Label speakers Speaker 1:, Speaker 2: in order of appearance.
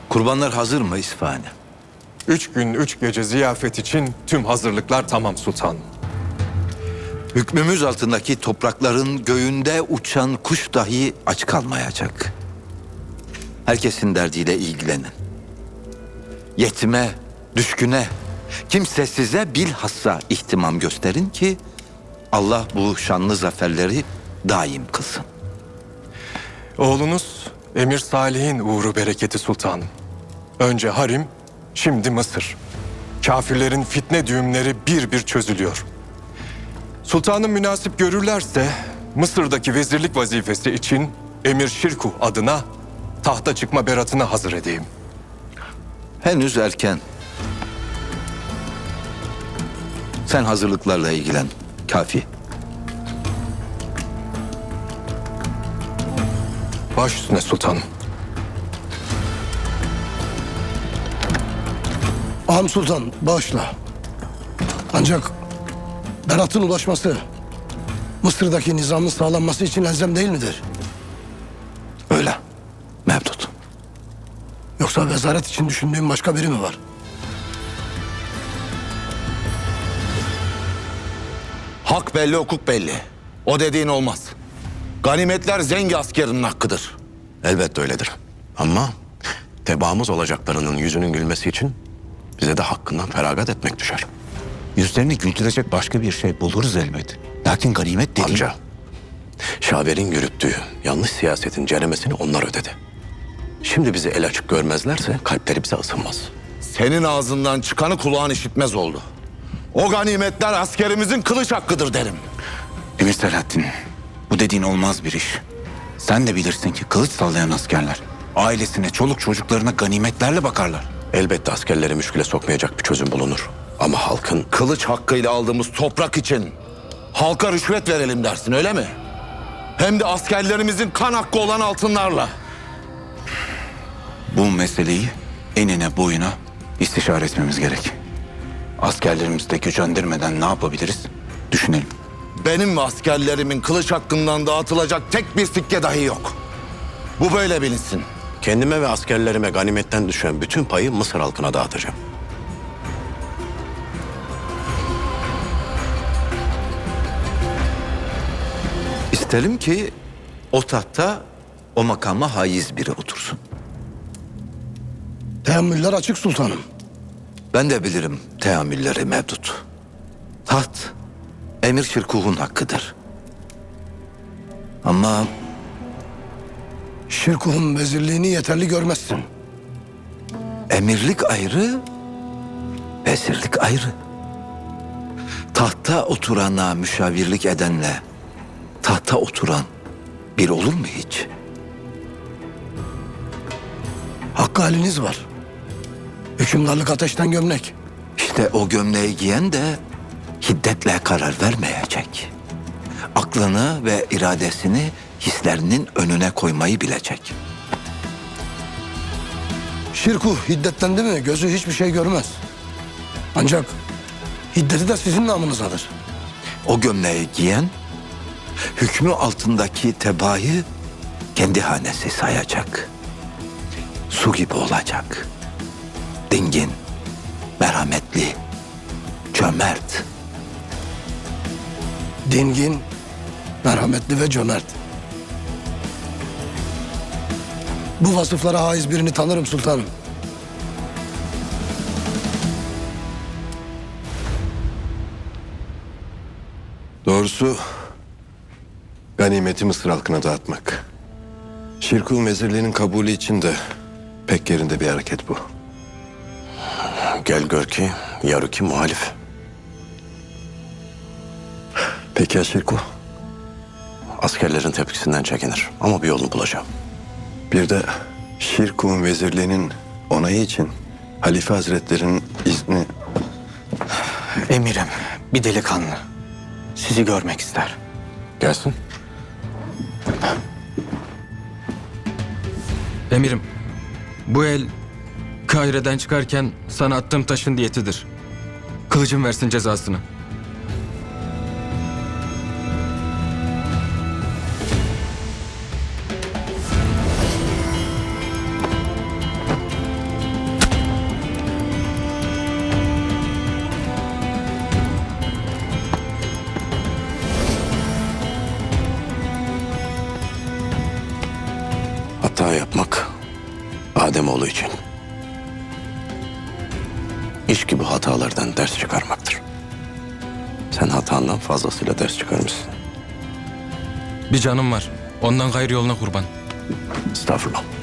Speaker 1: Kurbanlar hazır mı İsfahane?
Speaker 2: 3 gün 3 gece ziyafet için tüm hazırlıklar tamam sultanım.
Speaker 1: Hükmümüz altındaki toprakların göğünde uçan kuş dahi aç kalmayacak. Herkesin derdiyle ilgilenin. Yetime, düşküne, kimsesize bilhassa ihtimam gösterin ki Allah bu şanlı zaferleri daim kılsın.
Speaker 2: Oğlunuz Emir Salih'in uğru bereketi sultanım. Önce Harim, şimdi Mısır. Kafirlerin fitne düğümleri bir bir çözülüyor. Sultanım münasip görürlerse Mısır'daki vezirlik vazifesi için Emir Şirkuh adına tahta çıkma beratını hazır edeyim.
Speaker 1: Henüz erken. Sen hazırlıklarla ilgilen. Kafi.
Speaker 2: Baş üstüne sultanım.
Speaker 3: Ağam Sultan bağışla. Ancak beratın ulaşması Mısır'daki nizamın sağlanması için elzem değil midir?
Speaker 1: Öyle. Mevdut.
Speaker 3: Yoksa vezaret için düşündüğün başka biri mi var?
Speaker 4: Hak belli, hukuk belli. O dediğin olmaz. Ganimetler zengi askerinin hakkıdır.
Speaker 5: Elbette öyledir. Ama tebaamız olacaklarının yüzünün gülmesi için bize de hakkından feragat etmek düşer.
Speaker 6: Yüzlerini güldürecek başka bir şey buluruz elbet. Lakin ganimet dediğin...
Speaker 5: Amca, Şaver'in yürüttüğü yanlış siyasetin ceremesini onlar ödedi. Şimdi bizi el açık görmezlerse kalpleri bize ısınmaz.
Speaker 4: Senin ağzından çıkanı kulağın işitmez oldu. O ganimetler askerimizin kılıç hakkıdır derim.
Speaker 6: Emir Selahattin, bu dediğin olmaz bir iş. Sen de bilirsin ki kılıç sallayan askerler ailesine, çoluk çocuklarına ganimetlerle bakarlar.
Speaker 5: Elbette askerleri müşküle sokmayacak bir çözüm bulunur. Ama halkın
Speaker 4: Kılıç hakkıyla aldığımız toprak için halka rüşvet verelim dersin, öyle mi? Hem de askerlerimizin kan hakkı olan altınlarla.
Speaker 6: Bu meseleyi enine boyuna istişare etmemiz gerek. Askerlerimizi de gücendirmeden ne yapabiliriz? Düşünelim.
Speaker 4: Benim ve askerlerimin kılıç hakkından dağıtılacak tek bir sikke dahi yok. Bu böyle bilinsin.
Speaker 5: kendime ve askerlerime ganimetten düşen bütün payı Mısır halkına dağıtacağım.
Speaker 1: İsterim ki o tahta o makama haiz biri otursun.
Speaker 3: Teamüller açık sultanım.
Speaker 1: Ben de bilirim teamülleri Mevdut. Taht Emir Şirkuh'un hakkıdır. Ama
Speaker 3: Şirkuh'un vezirliğini yeterli görmezsin.
Speaker 1: emirlik ayrı, vezirlik ayrı. Tahta oturana müşavirlik edenle tahta oturan bir olur mu hiç?
Speaker 3: Hakkı haliniz var. Hükümdarlık ateşten gömlek.
Speaker 1: İşte o gömleği giyen de hiddetle karar vermeyecek. Aklını ve iradesini hislerinin önüne koymayı bilecek.
Speaker 3: Şirkuh hiddetlendi mi gözü hiçbir şey görmez. Ancak hiddeti de sizin namınızadır.
Speaker 1: O gömleği giyen hükmü altındaki tebaayı kendi hanesi sayacak. Su gibi olacak. Dingin, merhametli, cömert.
Speaker 3: Dingin, merhametli ve cömert. Bu vasıflara haiz birini tanırım sultanım.
Speaker 2: Doğrusu ganimeti Mısır halkına dağıtmak. Şirkuh vezirliğinin kabulü için de pek yerinde bir hareket bu.
Speaker 5: Gel gör ki yarıki muhalif.
Speaker 2: Peki ya Şirkuh?
Speaker 5: Askerlerin tepkisinden çekinir ama bir yolunu bulacağım.
Speaker 2: Bir de Şirkuh'un vezirliğinin onayı için Halife Hazretleri'nin izni...
Speaker 6: Emirim, bir delikanlı. Sizi görmek ister.
Speaker 5: Gelsin.
Speaker 7: Emirim, bu el Kahire'den çıkarken sana attığım taşın diyetidir. Kılıcım versin cezasını.
Speaker 5: Hata yapmak Ademoğlu için. İş gibi hatalardan ders çıkarmaktır. Sen hatandan fazlasıyla ders çıkarmışsın.
Speaker 7: Bir canım var. Ondan gayrı yoluna kurban.
Speaker 5: Estağfurullah.